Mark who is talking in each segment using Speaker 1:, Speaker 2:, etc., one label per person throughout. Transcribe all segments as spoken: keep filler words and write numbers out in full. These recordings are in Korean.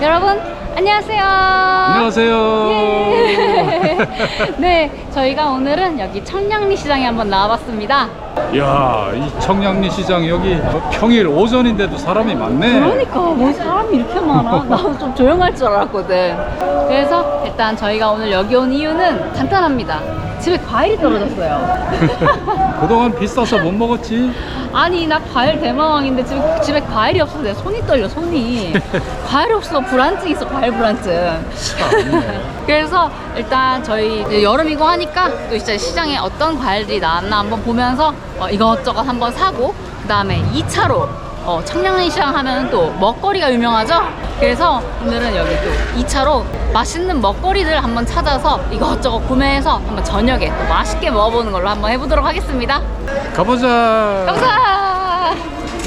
Speaker 1: 여러분 안녕하세요.
Speaker 2: 안녕하세요.
Speaker 1: 예. 네, 저희가 오늘은 여기 청량리 시장에 한번 나와봤습니다.
Speaker 2: 이야, 이 청량리 시장 여기 평일 오전인데도 사람이 많네.
Speaker 1: 그러니까 뭐 사람이 이렇게 많아. 나도 좀 조용할 줄 알았거든. 그래서 일단 저희가 오늘 여기 온 이유는 간단합니다. 집에 과일이 떨어졌어요.
Speaker 2: 그동안 비싸서 못 먹었지.
Speaker 1: 아니 나 과일 대마왕인데 집에, 집에 과일이 없어서 내 손이 떨려 손이. 과일 없어. 불안증 있어. 과일 불안증. 그래서 일단 저희 이제 여름이고 하니까 또 진짜 시장에 어떤 과일들이 나왔나 한번 보면서 어, 이것저것 한번 사고, 그 다음에 이 차로 어, 청량리 시장 하면 또 먹거리가 유명하죠. 그래서 오늘은 여기 또 이 차로 맛있는 먹거리들 한번 찾아서 이것저것 구매해서 한번 저녁에 또 맛있게 먹어보는 걸로 한번 해보도록 하겠습니다.
Speaker 2: 가보자.
Speaker 1: 감사.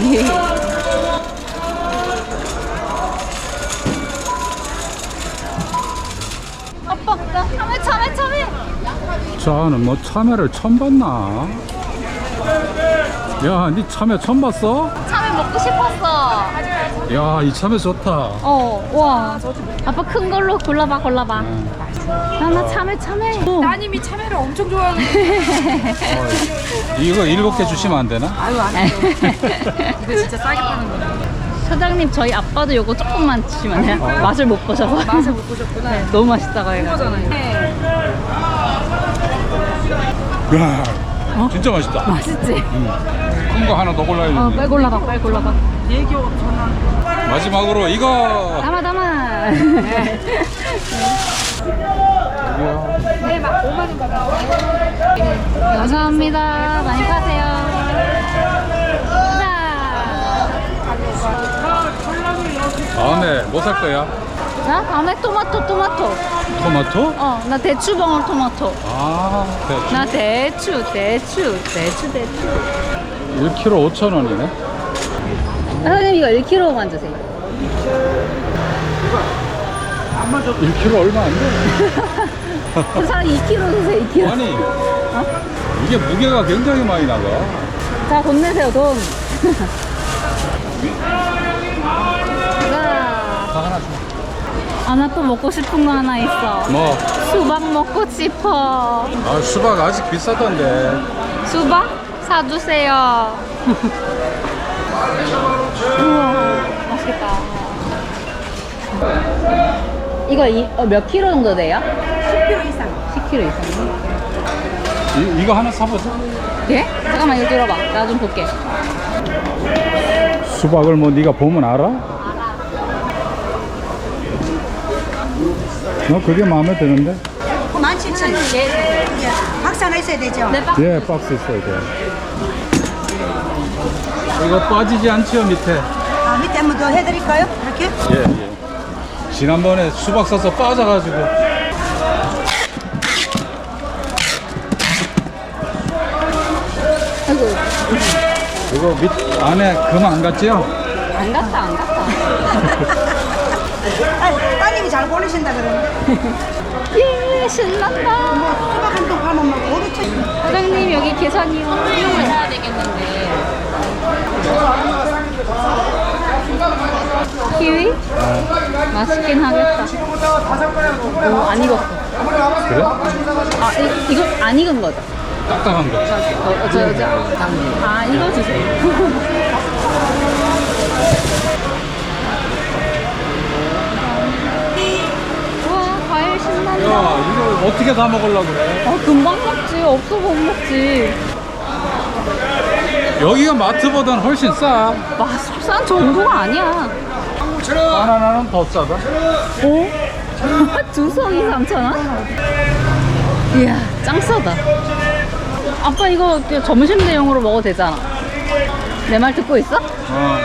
Speaker 1: 아빠 나 참외 참외 참외.
Speaker 2: 자는 뭐 참외를 처음 봤나? 야, 니 참외 처음 봤어?
Speaker 1: 참외 먹고 싶었어.
Speaker 2: 야, 이 참외 좋다.
Speaker 1: 어, 와. 아빠 큰 걸로 골라봐, 골라봐.
Speaker 2: 음.
Speaker 1: 나나 참외, 참외.
Speaker 3: 따님이 참외를 엄청 좋아하는.
Speaker 2: 어, 이거 일곱 개 주시면 안 되나?
Speaker 3: 아유 안 해요. 이거 진짜 싸게 파는 거야.
Speaker 1: 사장님, 저희 아빠도 요거 조금만 주시면 돼요.
Speaker 2: 어.
Speaker 1: 맛을 못 보셔서.
Speaker 3: 맛을 못 보셨구나.
Speaker 1: 네, 너무 맛있다고 해가지고.
Speaker 3: 이거잖아요. 네.
Speaker 2: 야,
Speaker 1: 어?
Speaker 2: 진짜 맛있다.
Speaker 1: 맛있지?
Speaker 2: 큰 거 하나 더 골라야
Speaker 1: 어,
Speaker 2: 돼.
Speaker 1: 빨리 골라봐, 빨리 골라봐.
Speaker 3: 얘기 전화.
Speaker 2: 마지막으로 이거.
Speaker 1: 담아, 담아.
Speaker 3: 네, 막 오만 원 받아.
Speaker 1: 감사합니다. 많이 파세요. 자.
Speaker 2: 다음에 뭐 살 거야?
Speaker 1: 나 다음에 토마토, 토마토.
Speaker 2: 토마토?
Speaker 1: 어, 나 대추봉을 토마토.
Speaker 2: 아, 대충.
Speaker 1: 나 대추, 대추, 대추, 대추.
Speaker 2: 일 킬로그램 오천 원이네.
Speaker 1: 사장님 이거 일 킬로그램만 주세요.
Speaker 2: 일 킬로그램 얼마 안 돼.
Speaker 1: 그 사람 이 킬로그램 주세요, 이 킬로그램.
Speaker 2: 아니, 이게 무게가 굉장히 많이 나가.
Speaker 1: 자, 돈 내세요, 돈. 자,
Speaker 2: 다 하나 줘.
Speaker 1: 아, 나 또 먹고 싶은 거 하나 있어.
Speaker 2: 뭐?
Speaker 1: 수박 먹고 싶어.
Speaker 2: 아, 수박 아직 비싸던데.
Speaker 1: 수박? 사주세요. 우와, 맛있겠다. 이거 이, 어, 몇 킬로 정도 돼요?
Speaker 3: 십 킬로그램 이상.
Speaker 1: 십 킬로그램 이상.
Speaker 2: 이, 이거 하나 사보자.
Speaker 1: 예? 잠깐만, 이거 들어봐. 나 좀 볼게.
Speaker 2: 수박을 뭐 네가 보면 알아? 너 그게 마음에 드는데?
Speaker 3: 만 칠천 원.
Speaker 1: 예,
Speaker 3: 박스 하나 있어야 되죠?
Speaker 1: 네, 박
Speaker 2: 예, 박스 있어야 돼. 이거 빠지지 않지요, 밑에?
Speaker 3: 아, 밑에 한 번 더 해드릴까요? 이렇게?
Speaker 2: 예, 예. 지난번에 수박 사서 빠져가지고.
Speaker 1: 아이고,
Speaker 2: 이거 밑 안에 금 안 갔지요?
Speaker 1: 안 갔다, 안 갔다.
Speaker 3: 아, 따님이 잘 고르신다 그러는데.
Speaker 1: 예, 신난다.
Speaker 3: 수박 한 통 팔면 막 오르천.
Speaker 1: 사장님, 여기 계산이요. 이거 사야 되겠는데. 키위? 맛있긴 하겠다. 오, 안 익었어.
Speaker 2: 그래?
Speaker 1: 아, 이, 이거 안 익은 거죠?
Speaker 2: 딱딱한 거.
Speaker 1: 어, 어, 저, 저, 아, 이거 주세요. 우와, 과일 신난다.
Speaker 2: 야, 이거 어떻게 다 먹으려고 그래?
Speaker 1: 아, 금방 먹지. 없어 못 먹지.
Speaker 2: 여기가 마트보다는 훨씬 싸.
Speaker 1: 맛싼 정도가 아니야.
Speaker 2: 바나나는 더 싸다.
Speaker 1: 오? 두 송이 삼천 원? 이야, 짱 싸다. 아빠 이거 점심 대용으로 먹어도 되잖아. 내 말 듣고 있어?
Speaker 2: 어.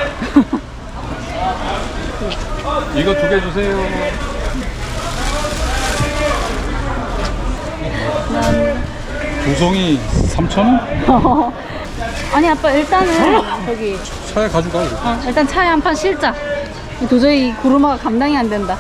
Speaker 2: 이거 두 개 주세요. 두 송이 삼천 원?
Speaker 1: 아니 아빠 일단은 저기
Speaker 2: 차에 가져가. 이거.
Speaker 1: 어, 일단 차에 한 판 실자. 도저히 이 구루마가 감당이 안 된다.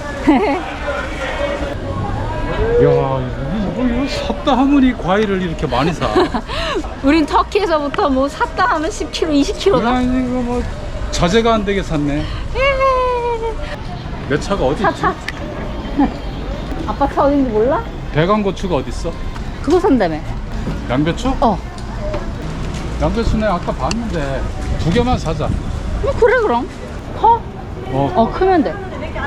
Speaker 2: 야, 이거 샀다 하면 이 과일을 이렇게 많이 사.
Speaker 1: 우린 터키에서부터 뭐 샀다 하면 십 킬로그램, 이십 킬로그램.
Speaker 2: 야, 이거 뭐 자제가 안 되게 샀네. 내 차가 어디
Speaker 1: 차,
Speaker 2: 있지?
Speaker 1: 차. 아빠 차 어딘지 몰라?
Speaker 2: 대강고추가 어디 있어?
Speaker 1: 그거 산다며.
Speaker 2: 양배추?
Speaker 1: 어.
Speaker 2: 양배추 내가 아까 봤는데 두 개만 사자.
Speaker 1: 뭐 그래 그럼. 커?
Speaker 2: 어,
Speaker 1: 어 크면 돼.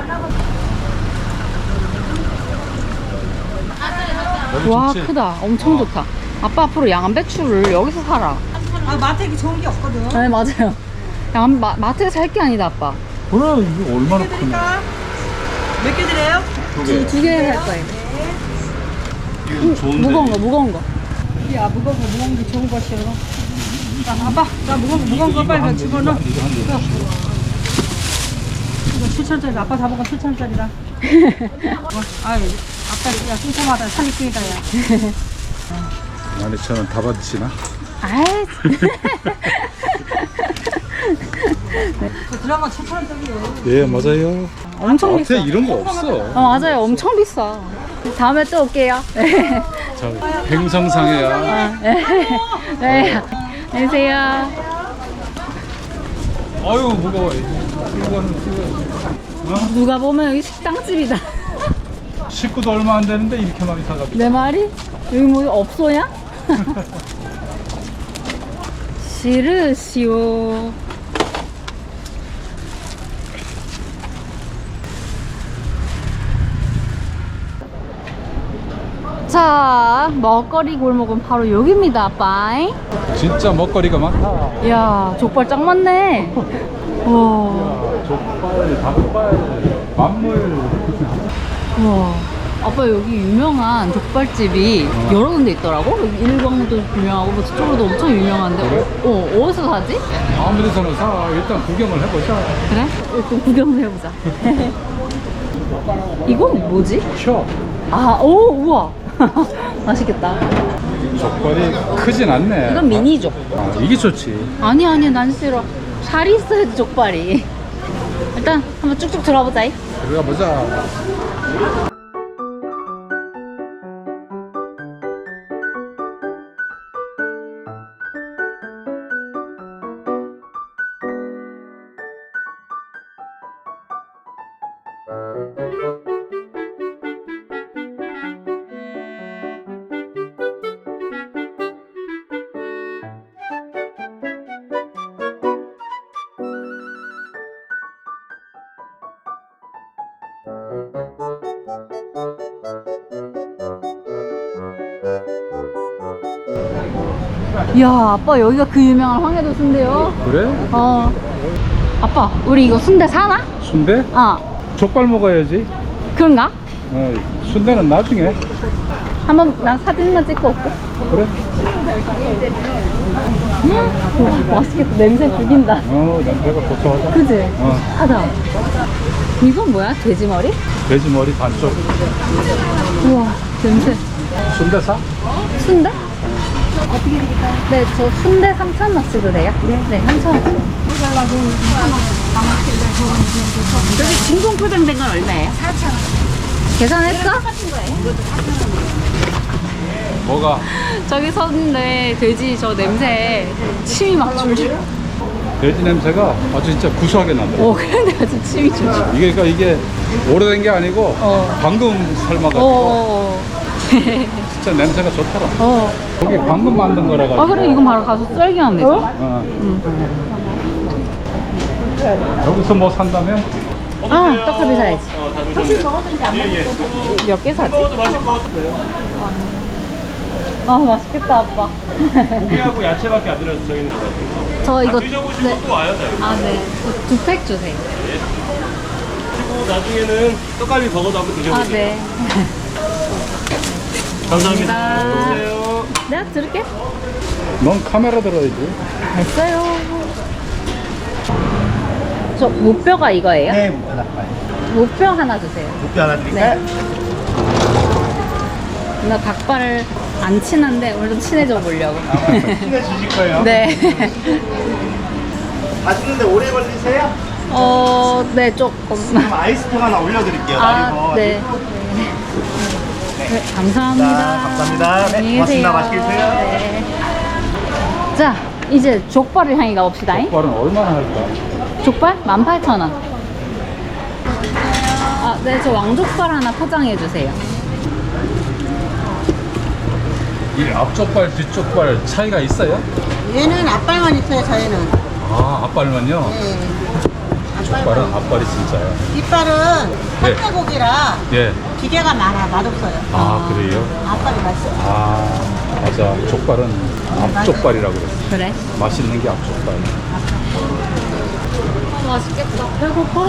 Speaker 2: 여기
Speaker 1: 와
Speaker 2: 좋지?
Speaker 1: 크다. 엄청
Speaker 2: 어.
Speaker 1: 좋다. 아빠 앞으로 양배추를 여기서 사라.
Speaker 3: 아 마트에 이렇게 좋은 게 없거든.
Speaker 1: 네 맞아요. 양 마, 마트에서 살 게 아니다 아빠.
Speaker 2: 그래 이거 얼마나 크네.
Speaker 3: 몇 개 드려요?
Speaker 2: 두 개.
Speaker 1: 두 개 살 거예요.
Speaker 2: 이거 좋은데.
Speaker 1: 무거운 거 무거운 거.
Speaker 3: 야 무거운 거 무거운 게 좋은 것이요. 자 아빠 자 무거운 거 무거운 거 빨리 집어넣어.
Speaker 2: 이거 한 개.
Speaker 3: 이거 칠천짜리 아빠 다 먹은 칠천짜리다. 어, 아유 아빠 야 꼼꼼하다 살이 끄니까 야.
Speaker 2: 만 이천 원 다 받으시나?
Speaker 1: 아이.
Speaker 3: 그 드라마 칠천원짜리요.
Speaker 2: 예 맞아요.
Speaker 1: 엄청
Speaker 2: 앞에
Speaker 1: 비싸.
Speaker 2: 이런 거 없어.
Speaker 1: 어 맞아요. 엄청 비싸. 다음에 또 올게요.
Speaker 2: 저 횡성상해야.
Speaker 1: 아, 네. 네. 안녕하세요.
Speaker 2: 아유 무거워. 이거는 찍어. 어?
Speaker 1: 누가 보면 여기 식당집이다.
Speaker 2: 식구도 얼마 안 되는데 이렇게 많이 사가지고.
Speaker 1: 내 말이? 여기 뭐 없소냐? 싫으시오. 자, 먹거리 골목은 바로 여기입니다, 아빠잉.
Speaker 2: 진짜 먹거리가 많다.
Speaker 1: 이야, 족발 짱 많네. 와,
Speaker 2: 족발, 닭발, 만물.
Speaker 1: 와. 아빠 여기 유명한 족발집이
Speaker 2: 어.
Speaker 1: 여러 군데 있더라고? 여기 일광도 유명하고 뭐 저쪽으로도 엄청 유명한데
Speaker 2: 그래?
Speaker 1: 어, 어, 어디서 사지?
Speaker 2: 아무 데서나 사. 일단 구경을 해보자.
Speaker 1: 그래? 일단 구경을 해보자. 이건 뭐지?
Speaker 2: 쉬어.
Speaker 1: 아, 오, 우와. 맛있겠다.
Speaker 2: 족발이 크진 않네.
Speaker 1: 이건 미니족.
Speaker 2: 아, 이게 좋지.
Speaker 1: 아니, 아니, 난 싫어. 살이 있어야지, 족발이. 일단 한번 쭉쭉 들어보자.
Speaker 2: 들어가 보자.
Speaker 1: 이야, 아빠 여기가 그 유명한 황해도 순대요?
Speaker 2: 그래?
Speaker 1: 어. 아빠, 우리 이거 순대 사나?
Speaker 2: 순대?
Speaker 1: 어.
Speaker 2: 족발 먹어야지.
Speaker 1: 그런가?
Speaker 2: 어, 순대는 나중에.
Speaker 1: 한번 난 사진만 찍고 올게.
Speaker 2: 그래?
Speaker 1: 음, 와, 맛있겠다. 냄새 죽인다.
Speaker 2: 어, 냄새가 고소하다.
Speaker 1: 그지?
Speaker 2: 어.
Speaker 1: 하다. 이건 뭐야? 돼지머리?
Speaker 2: 돼지 머리 반쪽.
Speaker 1: 우와, 냄새.
Speaker 2: 순대 사?
Speaker 1: 순대? 어떻게 드릴까요? 네, 저 순대 삼천 원어치도 돼요? 네. 네, 삼천 원어치. 저기 진공 포장된 건 얼마예요? 사천 원. 계산했어?
Speaker 2: 뭐가?
Speaker 1: 저기 섰는데 돼지 저 냄새 침이 막 줄줄.
Speaker 2: 돼지 냄새가 아주 진짜 구수하게 난다.
Speaker 1: 어, 근데 아주 침이 줄줄.
Speaker 2: 이게 그러니까 이게 오래된 게 아니고
Speaker 1: 어.
Speaker 2: 방금 삶아가지고
Speaker 1: 어.
Speaker 2: 진짜 냄새가 좋더라.
Speaker 1: 어.
Speaker 2: 여기 방금 만든 거라 가지고.
Speaker 1: 아, 그래, 이건 바로 가서 썰기하면 되죠.
Speaker 2: 어. 여기서 뭐 산다면?
Speaker 1: 아, 떡갈비 사야지. 몇 개 사지? 아, 맛있겠다, 아빠.
Speaker 4: 고기하고 야채밖에 안 들어서 저희는
Speaker 1: 저 이거
Speaker 4: 드셔보시고
Speaker 1: 네.
Speaker 4: 또 와요. 저희.
Speaker 1: 아, 네. 두 팩 주세요.
Speaker 4: 그리고 나중에는 떡갈비 버거도 한번
Speaker 1: 아,
Speaker 4: 드셔보세요.
Speaker 1: 네.
Speaker 4: 감사합니다.
Speaker 1: 감사합니다.
Speaker 4: 안녕하세요.
Speaker 1: 내가 들을게.
Speaker 2: 넌 카메라 들어야지.
Speaker 1: 됐어요. 저 무뼈가 이거예요?
Speaker 5: 네, 목표 닭발.
Speaker 1: 무뼈 하나 주세요.
Speaker 5: 목표 하나 드릴까요?
Speaker 1: 나 닭발을 안 친한데 오늘 좀 친해져 보려고.
Speaker 5: 신경 주실 거예요?
Speaker 1: 네.
Speaker 5: 맛있는데 오래 걸리세요?
Speaker 1: 어, 네, 조금.
Speaker 5: 그럼 아이스통 하나 올려드릴게요.
Speaker 1: 아,
Speaker 5: 날이고.
Speaker 1: 네. 네, 감사합니다.
Speaker 5: 자, 감사합니다. 네,
Speaker 1: 안녕히
Speaker 5: 고맙습니다.
Speaker 1: 계세요.
Speaker 5: 맛있게 드세요.
Speaker 1: 네. 자, 이제 족발을 향해 가봅시다.
Speaker 2: 족발은 얼마나 할까?
Speaker 1: 족발 만 팔천 원. 네, 저 왕족발 하나 포장해 주세요.
Speaker 2: 이 앞쪽발, 뒤쪽발 차이가 있어요?
Speaker 3: 얘는 앞발만 있어요, 저희는.
Speaker 2: 아, 앞발만요?
Speaker 3: 네.
Speaker 2: 족발은 앞발이 진짜요.
Speaker 3: 뒷발은
Speaker 2: 네.
Speaker 3: 산채고기라
Speaker 2: 예.
Speaker 3: 기계가 많아, 맛없어요.
Speaker 2: 아, 그래요?
Speaker 3: 앞발이 맛있어요.
Speaker 2: 아, 맞아. 족발은 앞쪽발이라고 그랬어.
Speaker 1: 그래?
Speaker 2: 맛있는 게 앞쪽발.
Speaker 1: 아, 맛있겠다. 배고파.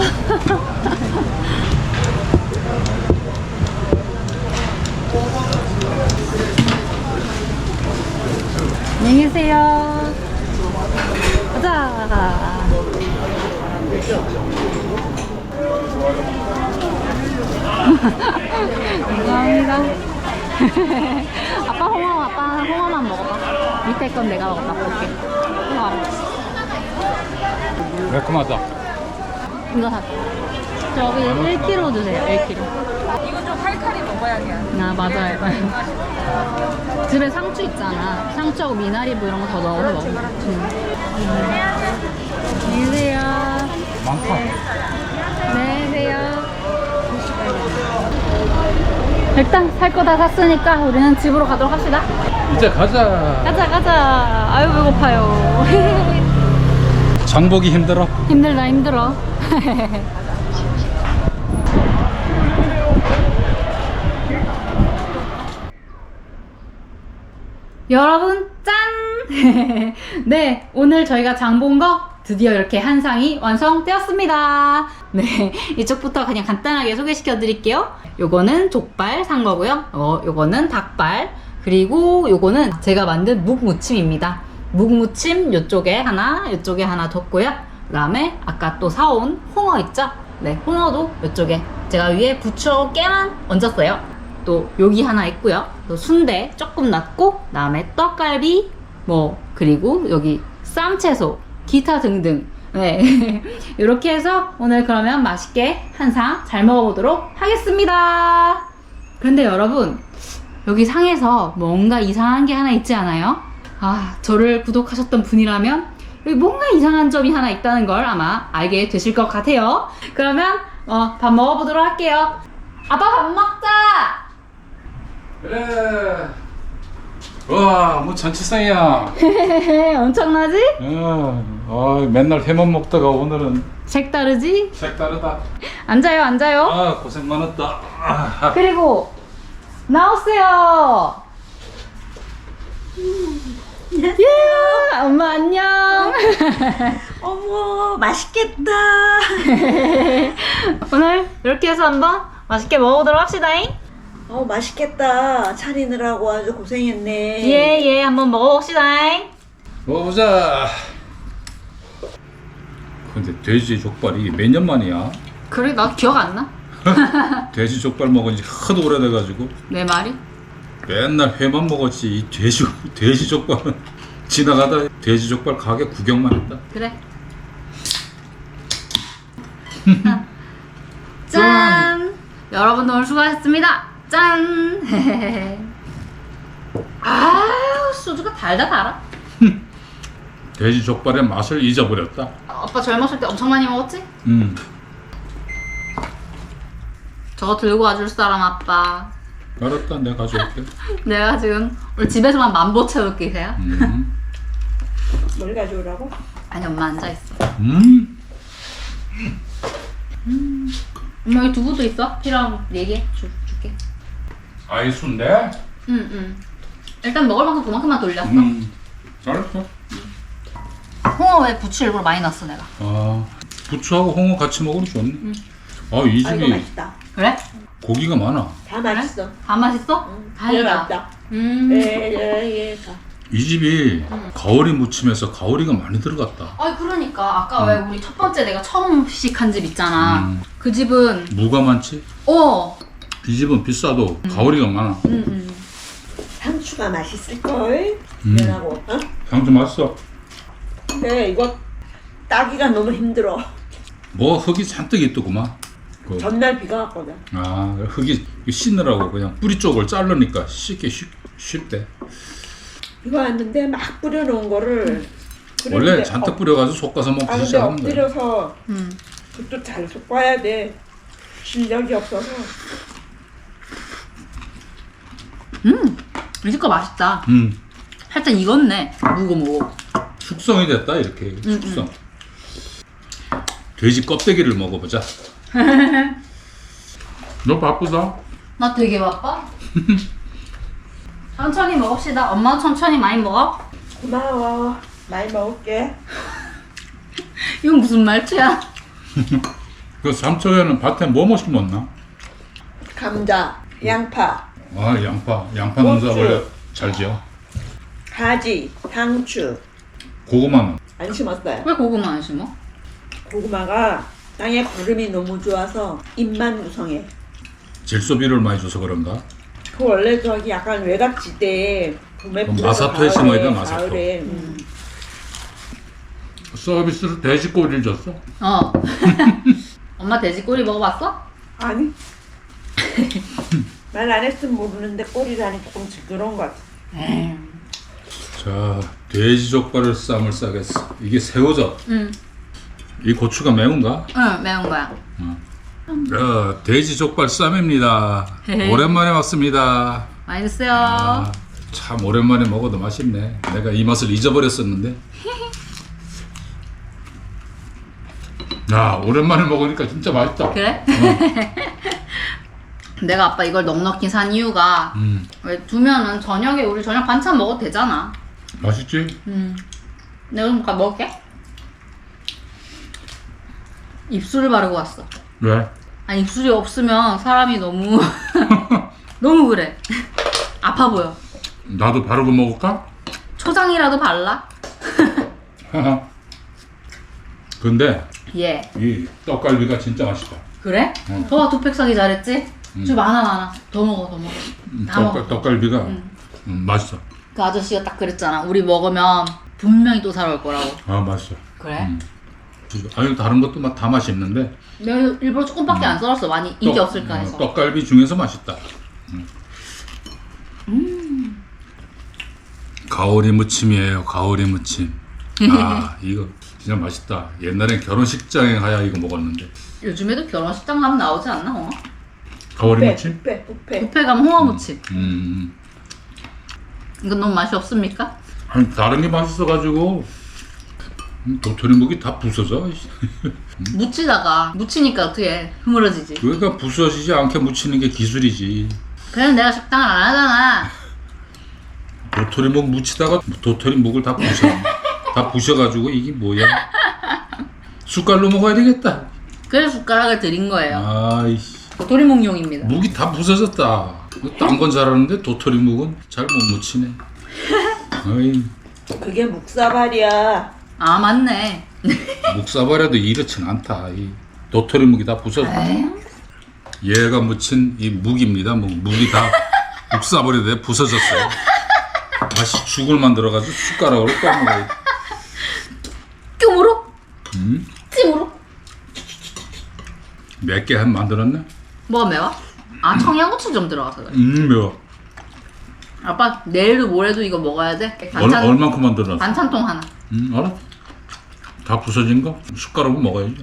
Speaker 1: 안녕히 계세요. 가자. 감사합니다. 아빠 홍어, 아빠 홍어만 먹어봐. 밑에 건 내가 먹어 맛볼게. 우와,
Speaker 2: 매콤하다.
Speaker 1: 이거 사. 저기 일 킬로그램 주세요. 일 킬로그램.
Speaker 3: 이건 좀 칼칼이 먹어야 돼.
Speaker 1: 아, 맞아요. 집에 상추 있잖아. 상추하고 미나리부 이런 거 더 넣어서 먹으면 좋지. 안녕히 계세요.
Speaker 2: 많다.
Speaker 1: 네, 계세요. 일단 살 거 다 샀으니까 우리는 집으로 가도록 합시다.
Speaker 2: 이제 가자.
Speaker 1: 가자, 가자. 아유, 배고파요.
Speaker 2: 장보기 힘들어?
Speaker 1: 힘들다, 힘들어. 여러분 짠! 네, 오늘 저희가 장 본 거 드디어 이렇게 한 상이 완성되었습니다. 네, 이쪽부터 그냥 간단하게 소개시켜 드릴게요. 요거는 족발 산 거고요. 어, 요거는 닭발, 그리고 요거는 제가 만든 묵무침입니다. 묵무침 요쪽에 하나, 요쪽에 하나 뒀고요. 그 다음에 아까 또 사온 홍어 있죠? 네, 홍어도 요쪽에 제가 위에 부추 깨만 얹었어요. 또 여기 하나 있고요. 또 순대 조금 놨고, 그 다음에 떡갈비, 뭐 그리고 여기 쌈채소, 기타 등등. 네, 이렇게 해서 오늘 그러면 맛있게 한 상 잘 먹어보도록 하겠습니다. 그런데 여러분, 여기 상에서 뭔가 이상한 게 하나 있지 않아요? 아, 저를 구독하셨던 분이라면 여기 뭔가 이상한 점이 하나 있다는 걸 아마 알게 되실 것 같아요. 그러면 어, 밥 먹어보도록 할게요. 아빠 밥 먹자!
Speaker 2: 그래. 와, 뭐 잔치상이야.
Speaker 1: 엄청나지?
Speaker 2: 어, 어, 맨날 회만 먹다가 오늘은
Speaker 1: 색다르지?
Speaker 2: 색다르다.
Speaker 1: 앉아요, 앉아요.
Speaker 2: 아, 고생 많았다. 아,
Speaker 1: 그리고 나오세요. 예, 엄마 안녕.
Speaker 3: 어머, 맛있겠다.
Speaker 1: 오늘 이렇게 해서 한번 맛있게 먹어보도록 합시다잉.
Speaker 3: 어, 맛있겠다. 차리느라고 아주 고생했네.
Speaker 1: 예, 예, 한번 먹어봅시다잉.
Speaker 2: 먹어보자. 근데 돼지 족발이 이게 몇 년 만이야?
Speaker 1: 그래, 나 기억 안 나.
Speaker 2: 돼지 족발 먹은 지 하도 오래돼가지고
Speaker 1: 내 말이?
Speaker 2: 맨날 회만 먹었지. 이 돼지 돼지 족발은 지나가다 돼지 족발 가게 구경만 했다.
Speaker 1: 그래. 짠! 여러분도 오늘 수고하셨습니다. 짠! 아유, 소주가 달다 달아.
Speaker 2: 돼지 족발의 맛을 잊어버렸다.
Speaker 1: 아빠 젊었을 때 엄청 많이 먹었지?
Speaker 2: 음.
Speaker 1: 저거 들고 와줄 사람 아빠.
Speaker 2: 알았다, 내가 가져올게.
Speaker 1: 내가 지금 우리 집에서만 만보 채울게 이세요?
Speaker 2: 음.
Speaker 3: 뭘 가져오라고?
Speaker 1: 아니, 엄마 앉아있어.
Speaker 2: 음.
Speaker 1: 엄마 여기 두부도 있어? 필요하면 얘기해. 줄, 줄게.
Speaker 2: 아이 순대?
Speaker 1: 응, 응. 일단 먹을 만큼 그만큼만 돌렸어.
Speaker 2: 음. 잘했어.
Speaker 1: 홍어 왜 부추 일부러 많이 넣었어 내가?
Speaker 2: 아, 부추하고 홍어 같이 먹으면 좋네. 아, 이
Speaker 3: 아, 이거
Speaker 2: 집이
Speaker 3: 맛있다.
Speaker 1: 그래?
Speaker 2: 고기가 많아.
Speaker 3: 다 맛있어.
Speaker 1: 다 맛있어?
Speaker 3: 응,
Speaker 1: 다행이다.
Speaker 3: 맛있다.
Speaker 1: 음.
Speaker 3: 예, 예, 예. 다.
Speaker 2: 이 집이 가오리 무침에서 가오리가 많이 들어갔다.
Speaker 1: 아니 그러니까 아까 왜 우리 첫 번째 내가 처음 시식한 집 있잖아.
Speaker 2: 음.
Speaker 1: 그 집은
Speaker 2: 무가 많지?
Speaker 1: 어.
Speaker 2: 이 집은 비싸도 가오리가 많아.
Speaker 1: 응, 응.
Speaker 3: 상추가 맛있을걸?
Speaker 2: 음.
Speaker 3: 내라고, 어?
Speaker 2: 향도 맛있어.
Speaker 3: 근데 이거 따기가 너무 힘들어.
Speaker 2: 뭐 흙이 잔뜩 있더구만. 그,
Speaker 3: 전날 비가 왔거든.
Speaker 2: 아, 흙이 씻느라고 그냥 뿌리 쪽을 자르니까 씻기 쉽, 쉽대.
Speaker 3: 비가 왔는데 막 뿌려놓은 거를
Speaker 2: 원래
Speaker 3: 뿌리는데
Speaker 2: 잔뜩
Speaker 3: 엎-
Speaker 2: 뿌려가지고 볶아서
Speaker 3: 아
Speaker 2: 먹기
Speaker 3: 근데
Speaker 2: 시작하는 거야.
Speaker 3: 엎드려서
Speaker 1: 음.
Speaker 3: 그것도 잘 섞어야 돼. 실력이 없어서.
Speaker 1: 음, 이 집 거 맛있다.
Speaker 2: 음,
Speaker 1: 살짝 익었네. 무고 무고.
Speaker 2: 숙성이 됐다 이렇게
Speaker 1: 음,
Speaker 2: 숙성. 돼지 껍데기를 먹어보자. 너 바쁘다.
Speaker 1: 나 되게 바빠. 천천히 먹읍시다. 엄마 천천히 많이 먹어.
Speaker 3: 고마워. 많이 먹을게.
Speaker 1: 이건 무슨 말투야?
Speaker 2: 그 삼척에는 밭에 뭐뭐 심었나?
Speaker 3: 감자, 양파,
Speaker 2: 아 양파, 양파 농사
Speaker 3: 고추.
Speaker 2: 원래 잘 지어.
Speaker 3: 가지, 상추.
Speaker 2: 고구마는
Speaker 3: 안 심었어요.
Speaker 1: 왜 고구마 안 심어?
Speaker 3: 고구마가 땅에 거름이 너무 좋아서 잎만 구성해.
Speaker 2: 질소비를 많이 줘서 그런가?
Speaker 3: 그 원래 저기 약간 외곽지대에 봄에
Speaker 2: 그럼
Speaker 3: 뿌려서
Speaker 2: 마사토에
Speaker 3: 가을에,
Speaker 2: 심어야 돼, 마사토.
Speaker 3: 가을에. 음.
Speaker 2: 서비스로 돼지 꼬리를 줬어.
Speaker 1: 어. 엄마 돼지 꼬리 먹어봤어?
Speaker 3: 아니. 말 안 했으면 모르는데 꼬리라니 조금 징그러운 것 같아.
Speaker 2: 자, 돼지 족발을 쌈을 싸겠어. 이게 새우젓.
Speaker 1: 응.
Speaker 2: 이 고추가 매운가?
Speaker 1: 응, 매운 거야.
Speaker 2: 자, 돼지 족발 쌈입니다. 오랜만에 왔습니다.
Speaker 1: 많이 드세요.
Speaker 2: 아, 참 오랜만에 먹어도 맛있네. 내가 이 맛을 잊어버렸었는데. 야, 오랜만에 먹으니까 진짜 맛있다.
Speaker 1: 그래? 내가 아빠 이걸 넉넉히 산 이유가
Speaker 2: 음,
Speaker 1: 왜 두면은 저녁에 우리 저녁 반찬 먹어도 되잖아.
Speaker 2: 맛있지?
Speaker 1: 음. 내가 좀 가- 먹을게. 입술을 바르고 왔어.
Speaker 2: 왜?
Speaker 1: 아니 입술이 없으면 사람이 너무 너무 그래. 아파 보여.
Speaker 2: 나도 바르고 먹을까?
Speaker 1: 초장이라도 발라?
Speaker 2: 근데
Speaker 1: 예.
Speaker 2: 이 떡갈비가 진짜 맛있다.
Speaker 1: 그래?
Speaker 2: 응.
Speaker 1: 더 두팩 사기 잘했지? 좀 많아 많아. 더 먹어 더 먹어.
Speaker 2: 음,
Speaker 1: 다
Speaker 2: 떡,
Speaker 1: 먹어.
Speaker 2: 떡갈비가
Speaker 1: 응.
Speaker 2: 음, 맛있어.
Speaker 1: 그 아저씨가 딱 그랬잖아. 우리 먹으면 분명히 또 사러 올 거라고.
Speaker 2: 아, 맛있어.
Speaker 1: 그래?
Speaker 2: 음. 아니 다른 것도 막 다 맛있는데
Speaker 1: 내가 일부러 조금밖에 안 썰었어. 많이 인기
Speaker 2: 떡-
Speaker 1: 없을까 해서.
Speaker 2: 어, 떡갈비 중에서 맛있다. 음.
Speaker 1: 음.
Speaker 2: 가오리 무침이에요. 가오리 무침. 아 이거 진짜 맛있다. 옛날엔 결혼식장에 가야 이거 먹었는데.
Speaker 1: 요즘에도 결혼식장 가면 나오지 않나 홍어?
Speaker 2: 가오리
Speaker 3: 뷔페,
Speaker 2: 무침?
Speaker 3: 뷔페, 뷔페.
Speaker 1: 뷔페 가면 홍어무침.
Speaker 2: 음.
Speaker 1: 이건 너무 맛이 없습니까?
Speaker 2: 아니 다른 게 맛있어가지고 음, 도토리묵이 다 부서져.
Speaker 1: 묻히다가 묻히니까 어떻게 해? 흐물어지지.
Speaker 2: 그러니까 부서지지 않게 무치는 게 기술이지.
Speaker 1: 그래서 내가 식당을 안 하잖아.
Speaker 2: 도토리묵 무치다가 도토리묵을 다 부셔. 다 부셔가지고 이게 뭐야? 숟갈로 먹어야 되겠다.
Speaker 1: 그래서 숟가락을 드린 거예요.
Speaker 2: 아이씨.
Speaker 1: 도토리묵용입니다.
Speaker 2: 묵이 다 부서졌다. 딴 건 잘하는데 도토리묵은 잘 못 무치네. 어이,
Speaker 3: 그게 묵사발이야.
Speaker 1: 아 맞네.
Speaker 2: 묵사발에도 이렇진 않다. 이 도토리묵이 다 부서졌다. 얘가 무친 이 묵입니다. 묵, 묵이 다 묵사발에 내 부서졌어요. 다시 죽을 만들어가지고 숟가락으로 떠먹어야 돼.
Speaker 1: 뀨무로?
Speaker 2: 음?
Speaker 1: 찜으로?
Speaker 2: 몇 개 한 만들었네?
Speaker 1: 뭐가 매워? 아 청양고추 좀 들어가서 그래.
Speaker 2: 음, 매워.
Speaker 1: 아빠 내일도 모레도 이거 먹어야 돼.
Speaker 2: 얼,
Speaker 1: 반찬
Speaker 2: 얼만큼 만들었어?
Speaker 1: 반찬통 하나.
Speaker 2: 음, 알았어. 다 부서진 거 숟가락으로 먹어야지.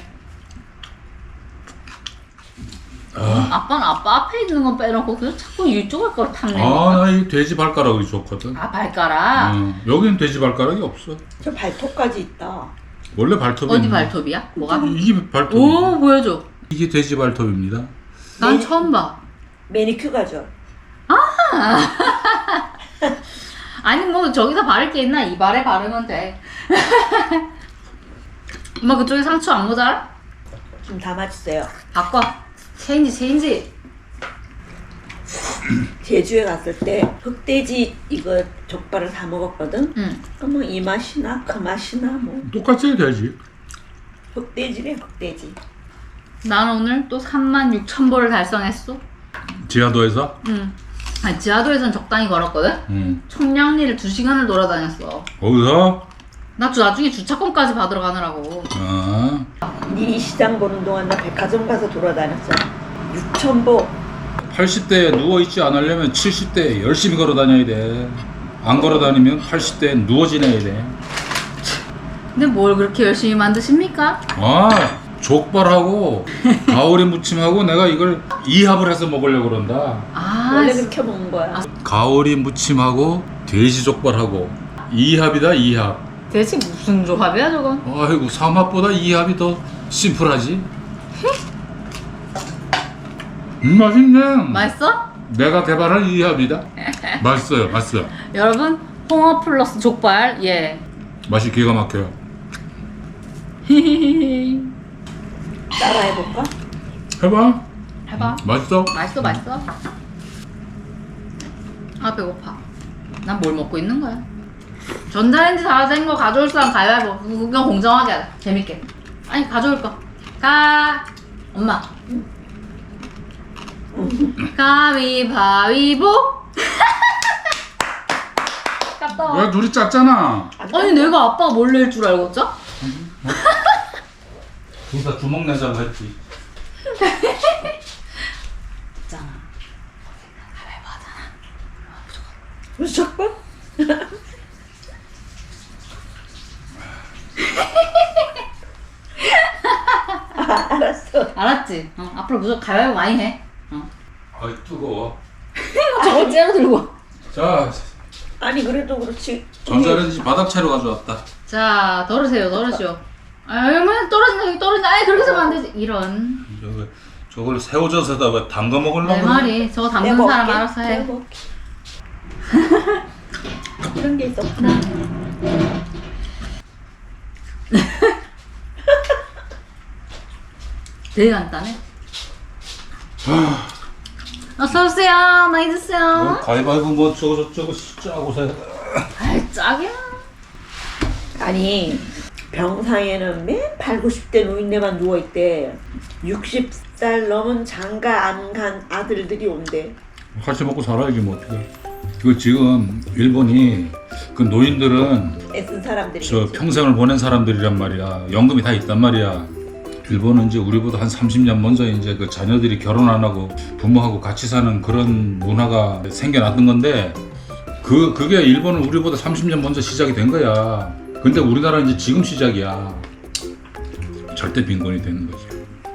Speaker 1: 아빠는 아빠 앞에 있는 건 빼놓고 그냥 자꾸 이쪽을 걸 탐내.
Speaker 2: 아, 나 이 돼지 발가락이 좋거든.
Speaker 1: 아 발가락.
Speaker 2: 어, 여기는 돼지 발가락이 없어.
Speaker 3: 저 발톱까지 있다.
Speaker 2: 원래 발톱이
Speaker 1: 어디
Speaker 2: 있는-
Speaker 1: 발톱이야? 뭐가?
Speaker 2: 이게 발톱.
Speaker 1: 오 보여줘.
Speaker 2: 이게 돼지 발톱입니다.
Speaker 1: 난
Speaker 3: 네.
Speaker 1: 처음 봐.
Speaker 3: 매니큐어죠.
Speaker 1: 아니 뭐 저기다 바를 게 있나? 이발에 바르면 돼. 엄마 그쪽에 상추 안 모자라?
Speaker 3: 좀 담아주세요.
Speaker 1: 바꿔. 체인지 체인지.
Speaker 3: 제주에 갔을 때 흑돼지 이거 족발을 사 먹었거든.
Speaker 1: 응.
Speaker 3: 그러면 이 맛이나 그 맛이나 뭐
Speaker 2: 똑같이 돼지.
Speaker 3: 흑돼지래 흑돼지.
Speaker 1: 난 오늘 또 삼만 육천 보를 달성했어.
Speaker 2: 지하도에서.
Speaker 1: 응. 아니 지하도에선 적당히 걸었거든?
Speaker 2: 음.
Speaker 1: 청량리를 두 시간을 돌아다녔어.
Speaker 2: 거기서.
Speaker 1: 나 주- 나중에 주차권까지 받으러 가느라고.
Speaker 2: 아,
Speaker 3: 네 시장 보는 동안 나 백화점 가서 돌아다녔어. 육천 보.
Speaker 2: 팔십 대에 누워 있지 않으려면 칠십 대에 열심히 걸어 다녀야 돼. 안 걸어 다니면 팔십 대에 누워 지내야 돼.
Speaker 1: 근데 뭘 그렇게 열심히 만드십니까?
Speaker 2: 아, 족발하고 가오리 무침하고 내가 이걸 이합을 해서 먹으려고 그런다.
Speaker 1: 아,
Speaker 6: 원래 그렇게 먹는 거야.
Speaker 2: 가오리 무침하고 돼지 족발하고 이합이다 이합.
Speaker 1: 대체 무슨 조합이야 저건?
Speaker 2: 아이고 삼합보다 이합이 더 심플하지. 음, 맛있네.
Speaker 1: 맛있어?
Speaker 2: 내가 개발한 이합이다. 맛있어요, 맛있어요.
Speaker 1: 여러분 홍어 플러스 족발 예.
Speaker 2: 맛이 기가 막혀요.
Speaker 6: 따라 해볼까?
Speaker 2: 해봐.
Speaker 1: 해봐.
Speaker 2: 맛있어?
Speaker 1: 맛있어 맛있어. 아 배고파. 난 뭘 먹고 있는 거야? 전자레인지 다 된 거 가져올 사람 가위바위보. 그냥 공정하게 하자. 재밌게. 아니 가져올 거. 가. 엄마. 가위바위보. 갔다 와.
Speaker 2: 왜 둘이 짰잖아.
Speaker 1: 아니 내가 아빠가 뭘 낼 줄 알고 짜?
Speaker 2: 둘 다 주먹 내자고 했지.
Speaker 1: 있잖아.
Speaker 6: 무조건? 아, 알았어.
Speaker 1: 알았지? 어, 앞으로 무조건 가위바위보 많이 해. 어.
Speaker 2: 아이 뜨거워.
Speaker 1: 저거 째려 들고.
Speaker 2: 자,
Speaker 6: 아니 그래도 그렇지.
Speaker 2: 전자레인지 바닥 채로 가져왔다.
Speaker 1: 자, 덜으세요, 덜으시오. 아, 얼마나 떨어진다, 여기 떨어진다. 아이, 그렇게 하면 안 되지. 이런.
Speaker 2: 저거 저걸 새우젓에다 왜 담가 먹으려고?
Speaker 1: 내 말이. 저거 담근
Speaker 6: 내가
Speaker 1: 사람
Speaker 6: 먹을게.
Speaker 1: 알아서
Speaker 6: 내가
Speaker 1: 해.
Speaker 6: 먹을게. 이런 게 있었구나.
Speaker 1: 되게 간단해. 어서오세요. 많이
Speaker 2: 뭐,
Speaker 1: 드세요.
Speaker 2: 가위바위보 뭐 저거 저거 짜고 세.
Speaker 1: 아이, 짝이야.
Speaker 6: 아니 병상에는 맨 팔, 구십 대 노인네만 누워있대. 육십 살 넘은 장가 안 간 아들들이 온대.
Speaker 2: 같이 먹고 살아야지 뭐 어떻게. 이거 지금 일본이 그 노인들은
Speaker 6: 애쓴 사람들이.
Speaker 2: 저 평생을 보낸 사람들이란 말이야. 연금이 다 있단 말이야. 일본은 이제 우리보다 한 삼십 년 먼저 이제 그 자녀들이 결혼 안 하고 부모하고 같이 사는 그런 문화가 생겨났던 건데 그 그게 일본은 우리보다 삼십 년 먼저 시작이 된 거야. 근데 우리나라는 이제 지금 시작이야. 절대 빈곤이 되는 거지.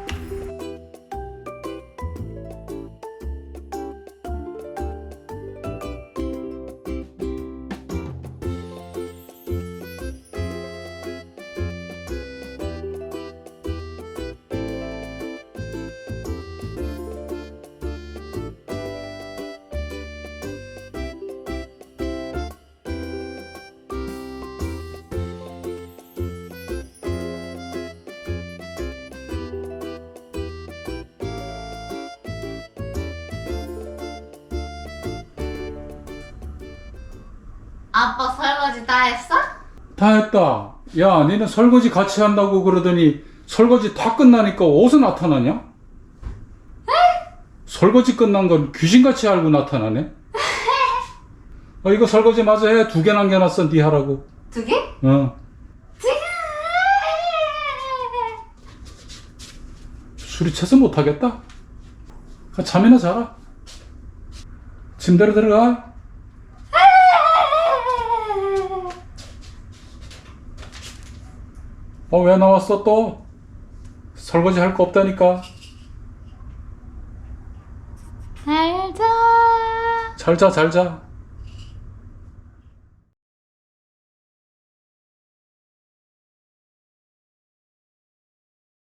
Speaker 1: 아빠 설거지 다 했어?
Speaker 2: 다 했다. 야, 니는 설거지 같이 한다고 그러더니 설거지 다 끝나니까 어디서 나타나냐? 설거지 끝난 건 귀신같이 알고 나타나네. 어, 이거 설거지 마저 해. 두 개 남겨놨어. 니 하라고.
Speaker 1: 두 개?
Speaker 2: 어.
Speaker 1: 두 개.
Speaker 2: 술이 채서 못하겠다. 가 잠이나 자라. 침대로 들어가. 어, 왜 나왔어 또? 설거지 할 거 없다니까.
Speaker 1: 잘 자.
Speaker 2: 잘 자, 잘 자.